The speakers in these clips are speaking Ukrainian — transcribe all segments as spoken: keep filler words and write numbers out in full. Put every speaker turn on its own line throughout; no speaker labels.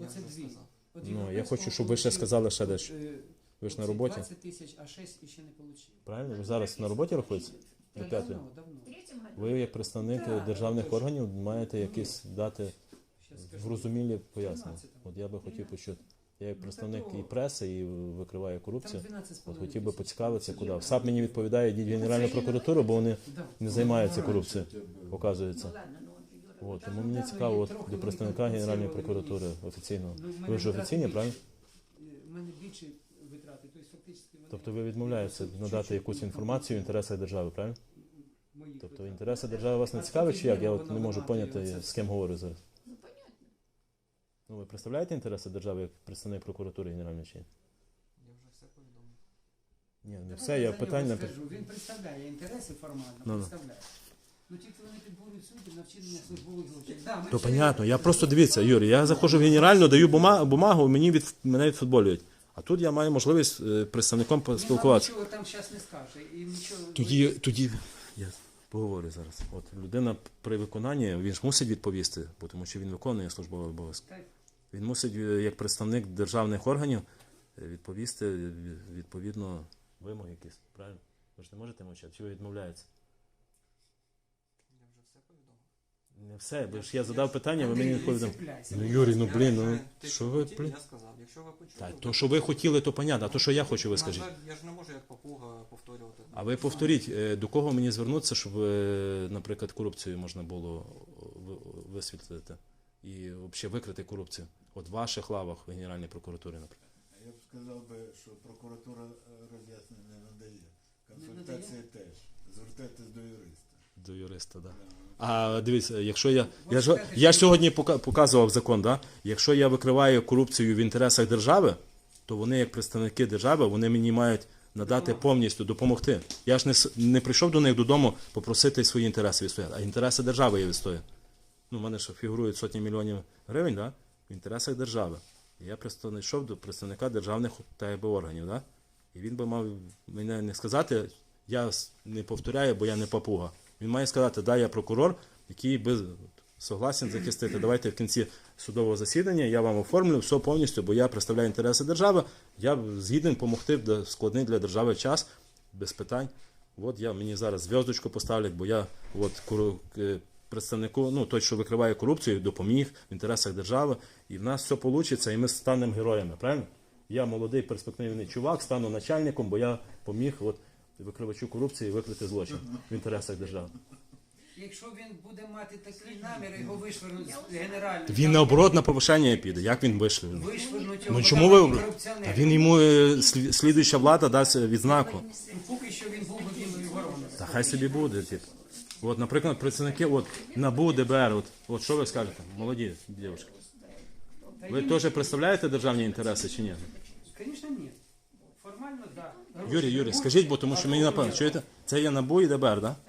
це дві. От
Ну, я
Європейського
хочу, щоб ви ще
получив,
сказали ще дещо.
е,
Ви ж на
оці
роботі?
двадцять тисяч, а шість ще не отримав.
Правильно? Ви зараз на роботі рахуєтеся? До
Та
п'ятої?
давно, давно.
Ви як представник
Так,
державних
точно.
органів маєте якісь дати
Щас скажу.
зрозумілі пояснення.
тринадцятому.
От я би хотів почути. Я як
Ну,
представник
та то-
і преси, і викриваю
Там
корупцію.
дванадцять з
От
половиною
хотів би
тисяч.
поцікавитися, куди. В САП мені відповідає, йдіть в Генеральну прокуратуру, бо вони
Да.
не займаються корупцією, оказується. От, тому мені цікаво от, до представника Генеральної прокуратури офіційного.
Ну, в мене
Ви ж
витрати
офіційні,
більше.
правильно?
У мене більше витрати, тобто фактично вони...
Тобто ви відмовляєтеся надати якусь інформацію в інтересах держави, правильно?
Моїх
Тобто
витрат.
інтереси держави вас не цікавить, чи як? Я от не можу поняти, з ким говорю зараз.
Ну, понятно.
Ну, ви представляєте інтереси держави як представник прокуратури Генеральної чи ні?
Я вже все повідомив.
Ні, не
Давайте
все, я
за нього
питання...
скажу. Він представляє інтереси формально,
Ну, ну.
представляє. Ну тільки вони підборюють суддів на вчинення службових злочинів. Да, ми
То
ще-
понятно, я просто дивіться, Юрій, я заходжу в Генеральну, даю бума- бумагу, мені від, мене відфутболюють. А тут я маю можливість е, представником
Він вам
поспілкуватися.
нічого там зараз не скаже. І нічого...
Тоді, тоді я поговорю зараз. От людина при виконанні, він ж мусить відповісти, бо тому що він виконує службові обов'язки.
Так.
Він мусить, е, як представник державних органів, е, відповісти е, відповідно вимоги якісь. Правильно? Ви ж не можете мовчати, чи ви відмовляєтеся?
Я вже все повідомив.
Не все, бо ж я задав питання, ви
Андрій,
мені
не
відповідаєте.
цепляйся.
Ну, Юрій, ну
Я
блін,
вже
ну
те,
що ви,
хотіли,
блін?
Я сказав, якщо ви почули...
Так, то, що ви хотіли, то понятно, а то, що я хочу, ви
На
скажіть.
жаль, я ж не можу як папуга повторювати.
А ви повторіть, е, до кого мені звернутися, щоб, е, наприклад, корупцію можна було ви- висвітлити і взагалі викрити корупцію? От в ваших лавах в Генеральній прокуратурі, наприклад.
Я б сказав би, що прокуратура е, роз'яснень не надає. Консультації теж. Звертайтесь до юриста.
До юриста, так. Да.
Да.
А дивіться, якщо я. Я ж, я ж сьогодні пока- показував закон, да? Якщо я викриваю корупцію в інтересах держави, то вони, як представники держави, вони мені мають надати повністю допомогти. Я ж не, с- не прийшов до них додому попросити свої інтереси відстояти, а інтереси держави я відстоюю. Ну, в мене ж фігурують сотні мільйонів гривень, да? В інтересах держави. І я просто йшов до представника державних та якби органів, да? І він би мав мене не сказати, я с- не повторяю, бо я не папуга. Він має сказати, да, я прокурор, який би согласен захистити. Давайте в кінці судового засідання я вам оформлю все повністю, бо я представляю інтереси держави, я згідний допомогти в складний для держави час, без питань. От я мені зараз зв'язочку поставлять, бо я от кору- е, представнику, ну той, що викриває корупцію, допоміг в інтересах держави, і в нас все вийде, і ми станемо героями, правильно? Я молодий перспективний чувак, стану начальником, бо я поміг от, викривачу корупції викрити злочин в інтересах держави.
Якщо він буде мати такі наміри, його вишвернуть з генерального.
Він наоборот на повишення піде. Як він вийшли?
Вишвернуть його.
Ну
бо
чому
там
ви?
корупціонер.
Та він йому е, слі- слідуюча влада дасть відзнаку.
Ну, поки що він був би білою вороною.
Та хай собі буде. Тип. От, наприклад, працівники от, НАБУ, ДБР, от, от що ви скажете? Молоді дівчатки.
Та
Ви
їм-
теж представляєте державні інтереси чи ні?
Звісно, ні. Формально, так. Да.
Юрій, Юрій, скажіть, бо тому що мені напевно, чуєте? Це є НАБУ і ДБР, так?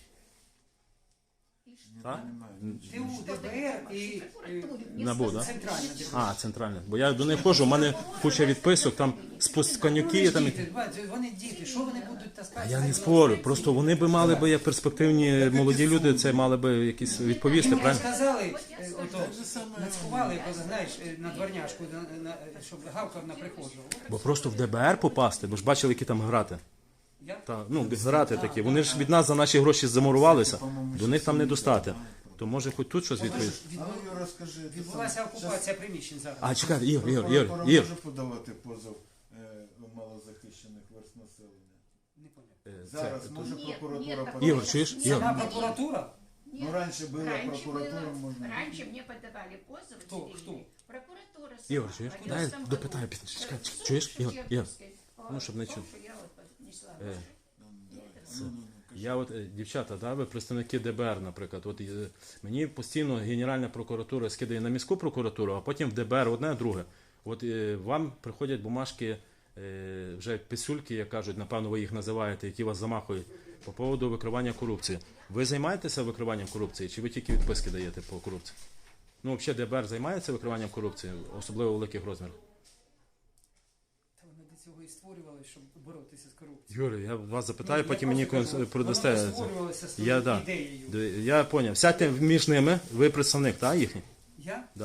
Так?
ТУ, ДБР і е,
НАБУ, так?
центральна держава.
А, центральне. Бо я до них ходжу, у мене куча відписок, там спуск конюки, там.
Діти, бачите, вони діти, що вони будуть таскати?
А я не спорю, просто вони би мали би, як перспективні молоді люди, це мали би якісь відповісти,
Йому
правильно?
сказали, е, ото, нацькували його, знаєш, е, на дворняшку, на, на, щоб гавкав на прихожого.
Бо просто в ДБР попасти, ви ж бачили, які там грати.
Я?
Та, ну, грати такі. Вони ж від нас за наші гроші замурувалися, до них там не достати. То може хоч тут щось відповісти?
А ну, Юра, скажи, ти
Відбулася
сам-
окупація приміщень зараз.
А, чекайте, Ігор, Ігор, Ігор,
Прокуратура
Ігор.
може подавати позов е, у малозахищених верст населення?
Не поняв.
Е, це-
Зараз може
Ні,
прокуратура
ні,
подавати?
Ігор, чуєш? Ігор.
Сама прокуратура?
Нет,
Ну, раньше была
раньше
прокуратура,
было-
можно-
Раньше мне подавали позовы.
Кто?
цивильные.
Кто?
Прокуратура. сама.
Ігор, чуєш?
В
Дай
одиннадцатом
допитаю
году.
пізніше. Чекай,
Суд
чуєш? Ігор, Ігор.
Шевченковский.
Ну, щоб не
О том,
чув.
что я вот поднесла
Е.
ваши.
Ну, ну, ну, кажи.
Я от, е, дівчата, да, ви представники ДБР, наприклад, от е, мені постійно Генеральна прокуратура скидає на міську прокуратуру, а потім в ДБР одне, друге. От е, вам приходять бумажки, е, вже писюльки, як кажуть, напевно, ви їх називаєте, які вас замахують по поводу викривання корупції. Ви займаєтеся викриванням корупції, чи ви тільки відписки даєте по корупції? Ну, взагалі, ДБР займається викриванням корупції, особливо в великих розмірах.
Та вони до цього і створювали, щоб боротися з корупцією.
Юрій, я вас запитаю,
Ну,
потім
я
мені
просто кажу,
продасте.
Воно створювалося з
Я, да.
ідеєю.
Д- Я поняв. Сядьте між ними, ви представник, так, їхній?
Я?
Да.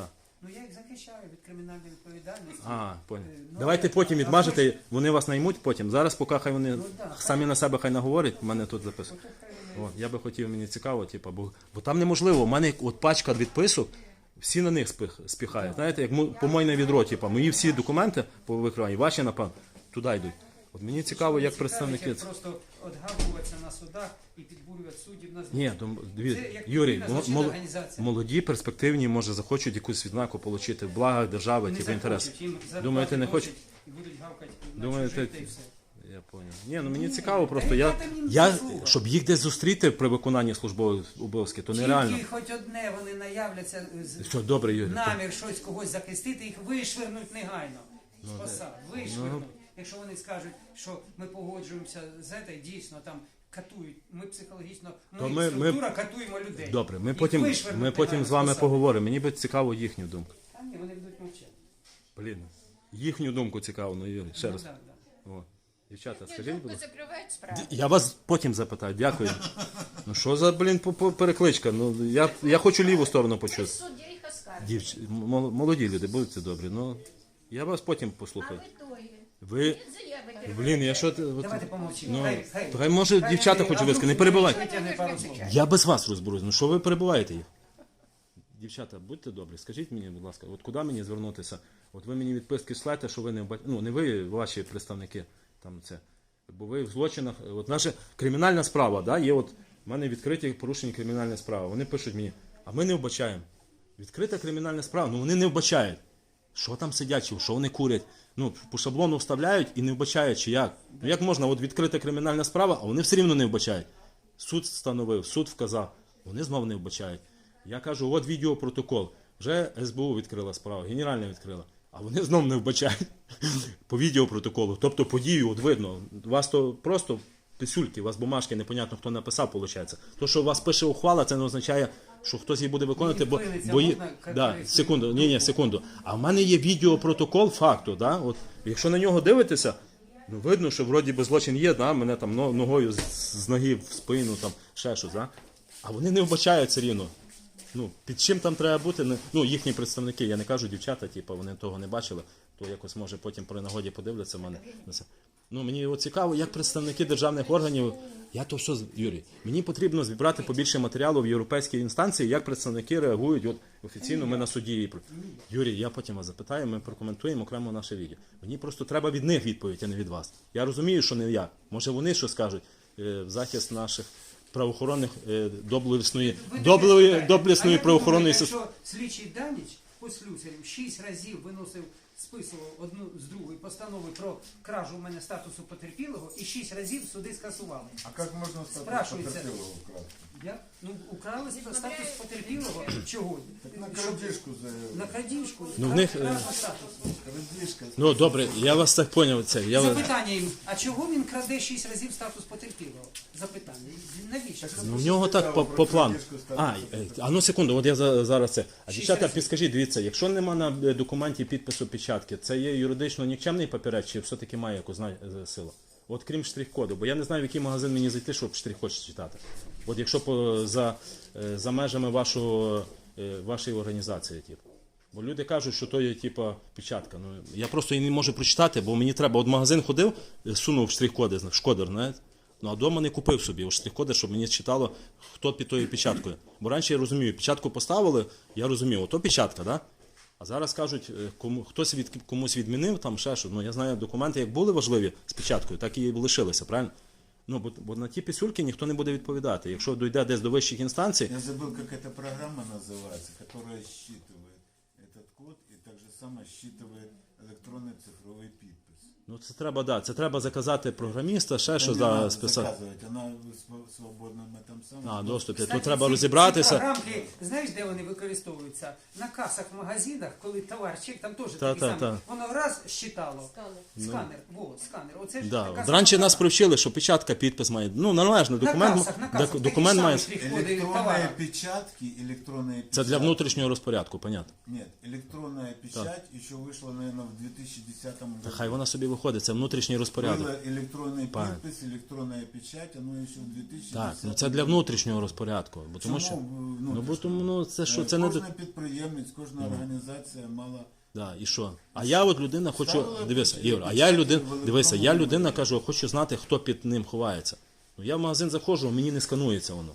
Ну я їх захищаю від кримінальної відповідальності.
А, понял.
Е, ну,
Давайте
а-
потім
а
відмажете,
потім-
вони вас наймуть потім. Зараз поки хай вони
Ну, да,
самі
хай.
на себе хай наговорять, в мене тут записано. От, я би хотів, мені цікаво, типу, бо, бо там неможливо. У мене от пачка відписок, всі на них спих, спіхають. Знаєте, як мо- помойне відро, типу, мої всі документи по викриванні, ваші, напевно, туди йдуть. От мені цікаво, як представники.
Як просто отгавуватися на судах і підбурювати суддів на
Ні, то, дві-
Це як
Юрій,
відповідна
мол-
злочинна
мол-
організація.
молоді, перспективні, може, захочуть якусь відзнаку отримати в благах держави,
Не
типу, інтерес.
захочуть, їм зарплати
Думаєте, не
досить
хочуть?
І будуть гавкати на
Думаєте,
чужих, та й все.
Я понял. Ні, ну мені цікаво просто.
та
Я,
яка там їм
я,
заслуга?
щоб їх десь зустріти при виконанні службових обов'язків, то нереально.
Тільки хоч одне вони наявляться з
Що, добре, Юрій. то-
намір щось когось захистити, їх вишвернуть негайно.
Ну,
З посад, вишвернуть. Якщо вони скажуть, що ми погоджуємося з цим, дійсно там катують, ми психологічно, ми,
То ми-
структура катуємо людей.
Добре, ми
Їх
потім,
вишвернуть
ми потім
негайно
з вами
посад.
поговоримо. Мені би цікаво їхню думку.
Та ні, вони будуть мовчати.
Блін, їхню думку цікаво, ну Юрій, ще
Ну,
раз.
да, да.
О. Дівчата,
Ні,
скажіть, будь
думку
ласка.
закривають справу.
Я вас потім запитаю, дякую. Ну що за, блін, по- по- перекличка? Ну, я, я хочу ліву сторону
Це
почути.
суддя їх оскаржує.
Дівч... м- молоді люди, будьте добрі. Ну, я вас потім
А
послухаю.
ви тої.
Ви,
Він заяви
блін, я що... ти- от-
Давайте помовчимо.
Ну,
Хай, хай.
то хай, може,
Хай
дівчата
вони-
хочу
а
висказати, не
вдруг
перебивайте.
витягне пару слов.
Я без вас розберусь. Ну що ви перебуваєте їх? Дівчата, будьте добрі, скажіть мені, будь ласка, от куди мені звернутися? От ви мені відписки шлете, що ви не вба- ну не ви, ваші представники там це. Бо ви в злочинах. От наша кримінальна справа, да, є от в мене відкриті порушені кримінальні справи. Вони пишуть мені, а ми не вбачаємо. Відкрита кримінальна справа, ну вони не вбачають. Що там сидять, чи що вони курять? Ну, по шаблону вставляють і не вбачають, чи як. Ну як можна, от відкрита кримінальна справа, а вони все рівно не вбачають. Суд встановив, суд вказав, вони знову не вбачають. Я кажу, от відеопротокол. Вже ес бе у відкрила справу, Генеральна відкрила. А вони знову не вбачають по відеопротоколу. Тобто подію, от видно, у вас то просто писюльки, у вас бумажки, непонятно хто написав, виходить. То, що у вас пише ухвала, це не означає, що хтось її буде виконувати, бо...
Відхилиться,
бо є-
можна
да,
коректно?
секунду, ні, ні, секунду. А в мене є відеопротокол факту, да? От, якщо на нього дивитися, ну видно, що вроді би злочин є, да? Мене там но- ногою з, з ноги в спину, там ще щось, да? А вони не вбачають все рівно. Ну, під чим там треба бути, не- ну, їхні представники, я не кажу дівчата, типу, вони того не бачили, то якось може потім при нагоді подивляться в мене на це. Ну, мені от цікаво, як представники державних органів, я то все, з- Юрій, мені потрібно зібрати побільше матеріалу в європейській інстанції, як представники реагують, от офіційно ми на суді. Юрій, я потім вас запитаю, ми прокоментуємо окремо наше відео. Мені просто треба від них відповідь, а не від вас. Я розумію, що не я. Може вони що скажуть е, в захист наших правоохоронних е, доблесної,
Ви
доблесної,
таке
доблесної
А як
правоохоронної
думаєте,
системи.
Якщо слідчий Даніч по слюсарям шість разів виносив, списував одну з другої постанови про кражу в мене статусу потерпілого і шість разів суди скасували.
А як можна стати
Спрашується.
потерпілого вкрасти?
Я? Ну, украли статус потерпілого. Чого?
На
Щоб-
крадіжку за
На крадіжку.
Ну, в них, е,
Кража статусу.
крадіжка.
Ну добре, я вас так поняв. Це я вас-
Запитання їм, а чого він краде шість разів статус потерпілого? Запитання. Навіщо?
Ну, в нього так по, по плану. А, е, а ну секунду, от я за- зараз це. А
Шість
дівчата,
разів.
підскажіть, дивіться, якщо нема на е, документі підпису печатки, це є юридично нікчемний папірець, чи все-таки має якусь зна- е, силу? От крім штрих-коду, бо я не знаю, в який магазин мені зайти, щоб штрих-код читати. От якщо по, за, е, за межами вашого, е, вашої організації, типу. Бо люди кажуть, що то є типу, печатка. Ну, я просто її не можу прочитати, бо мені треба. От в магазин ходив, е, сунув штрих-коди, зна- шкодер, знаєте? Ну, а вдома не купив собі от штрих-коди, щоб мені читало, хто під тою печаткою. Бо раніше я розумію, печатку поставили, я розумів, ото печатка, да? А зараз кажуть, е, кому, хтось від, комусь відмінив, там ще що. Ну, я знаю, документи як були важливі з печаткою, так і лишилися, правильно? Ну, бо, бо на ті писюльки ніхто не буде відповідати. Якщо дійде десь до вищих інстанцій,
Я забыл, как эта программа называется, которая считывает этот код и так же само считывает электронный цифровой подпись.
ну це треба, да, це треба заказати програміста, ще що
Не
за
надо
списати.
заказывать, она в св- свободном этом самом.
А, доступі.
Кстати,
То треба
ці-
розібратися.
Ці програмки, знаєш, де вони використовуються? На касах в магазинах, коли товарчик, там теж
Та,
такий
та,
самий.
та.
Воно раз щитало.
Сканер.
Сканер. Вот, сканер. Оце ж
Да.
така
От раніше
сама
нас
програма.
привчили, що печатка, підпис має. Ну, належно,
На
документ,
касах, на касах.
док- документ має.
Электронные печатки, электронные
Це для
печатки.
внутрішнього розпорядку, понятно.
Нет, электронная печать еще вышла, наверное, в две тысячи десятом году.
Та хай вона собі виходить, це внутрішній розпорядок.
Была электронный
Правильно.
подпись, электронная печать, оно еще в две тысячи десятом
Так, ну це для внутрішнього розпорядку. Бо тому що,
Чому
ну, бо
внутрішнього?
тому, ну, це що,
Е,
це не...
Кожна підприємець, кожна організація мала...
Да, і що? А я от людина хочу,
Ставили
дивися,
печать,
Ігор, а я людина,
великому
дивися, я людина
номері.
кажу, хочу знати, хто під ним ховається. Ну я в магазин заходжу, мені не сканується воно.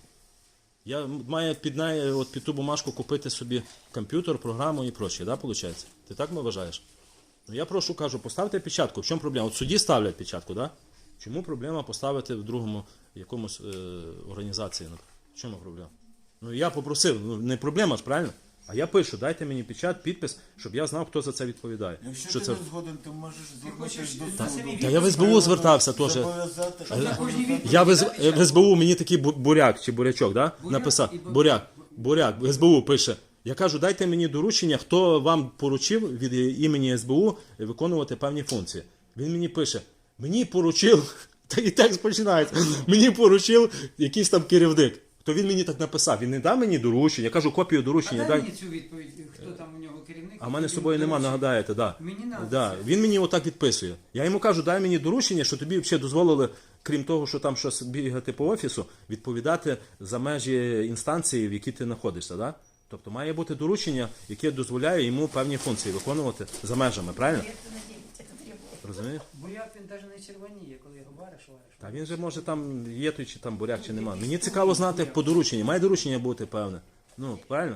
Я маю під, неї, от під ту бумажку купити собі комп'ютер, програму і прочее, да, виходить? Ти так вважаєш? Ну я прошу, кажу, поставте печатку. В чому проблема? От судді ставлять печатку, да? Чому проблема поставити в другому якомусь е, організації? В чому проблема? Ну я попросив, ну не проблема ж, правильно? А я пишу, дайте мені печать, підпис, щоб я знав, хто за це відповідає.
Якщо
Що
ти
це?
не згоден, ти можеш
хочеш,
звернутися до
та-
суду.
Та я в ес бе у звертався теж.
Зобов'язати.
Щоб на кожній відповіді
Я в, ес-
дати
в ес бе у мені такий бу- буряк чи бурячок, да?
Буряк
написав.
і бу-
Буряк, буряк, в ес бе у пише. Я кажу, дайте мені доручення, хто вам поручив від імені ес бе у виконувати певні функції. Він мені пише, мені поручив, та і текст починається, мені поручив якийсь там керівник. То він мені так написав, він не дав мені доручення, я кажу копію
А
доручення,
дай
дай.
мені цю відповідь, хто там у нього керівник.
А в мене з
який
собою нема,
доручив.
нагадаєте, да.
Мені надо
Да.
це.
Він мені отак відписує. Я йому кажу, дай мені доручення, що тобі взагалі дозволили, крім того, що там щось бігати по офісу, відповідати за межі інстанції, в якій ти знаходишся. Да? Тобто має бути доручення, яке дозволяє йому певні функції виконувати за межами, правильно?
Лет на девять это требует.
Розумієш?
Буряк він навіть не червоніє, коли його вариш, вариш.
Та він же може там є той, чи там буряк, чи нема. Мені цікаво знати по дорученню. Має доручення бути певне. Ну, правильно?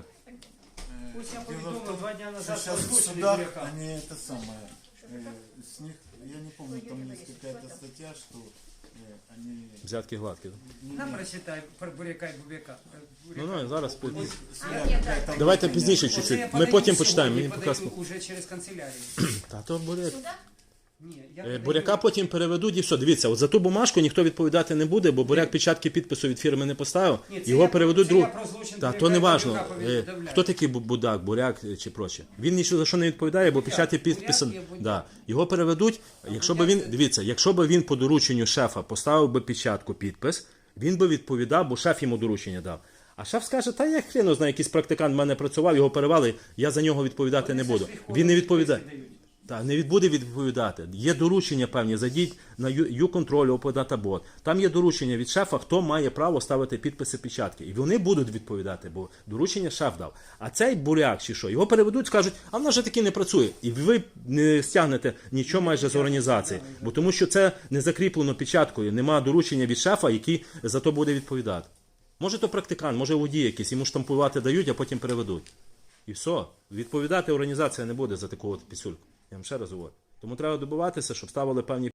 Ось я
Дело в
повідомив
том,
два дня
что
назад
сейчас в
озвучили
судах
буряка.
они это самое, э, с них, я не помню, там есть какая-то статья, что э, они...
Взятки гладкі.
не-
Нам
не-
прочитай про буряка і бубяка. Е,
Ну,
буряка.
ну, зараз.
у них
А,
связь
нет,
какая-то
да.
Давайте
внутренняя.
пізніше
Оце
чуть-чуть.
я
Ми
подаю
потім
сьогодні,
почитаємо. Мені
подаю
поки...
уже через канцелярію.
Та то буряк.
Сюда?
Ні, я
Е,
подаю-
Буряка потім переведуть і все. Дивіться, от за ту бумажку ніхто відповідати не буде, бо буряк печатки підпису від фірми не поставив.
Ні, це
Його
я-
переведуть
це
друг.
я про злочин
Та
буряка
то не
і
важно.
буряка повідомляю.
Хто такий бу- будак, буряк е, чи проче? Він нічого за що не відповідає, бо
Буряк,
печаті
буряк
підписан.
є буряк.
Да. Його переведуть. Якщо би
буряк
він
це-
дивіться, якщо би він по дорученню шефа поставив би печатку підпис, він би відповідав, бо шеф йому доручення дав. А шеф скаже, та я хріно знаю, якийсь практикант в мене працював, його перевели, я за нього відповідати не
Вони
буду.
все ж приходять,
Він не відповідає.
підписи дають.
Так, не від- буде відповідати. Є доручення певні, зайдіть на ю-контроль, оподатабот. Там є доручення від шефа, хто має право ставити підписи печатки. І вони будуть відповідати, бо доручення шеф дав. А цей буряк чи що, його переведуть, скажуть, а вона вже таки не працює. І ви не стягнете нічого майже з організації. Бо тому що це не закріплено печаткою, нема доручення від шефа, який за то буде відповідати. Може то практикант, може водій якийсь, йому штампувати дають, а потім переведуть. І все. Відповідати організація не буде за таку от пісюльку. Я вам ще раз говорю. Тому треба добиватися, щоб ставили певні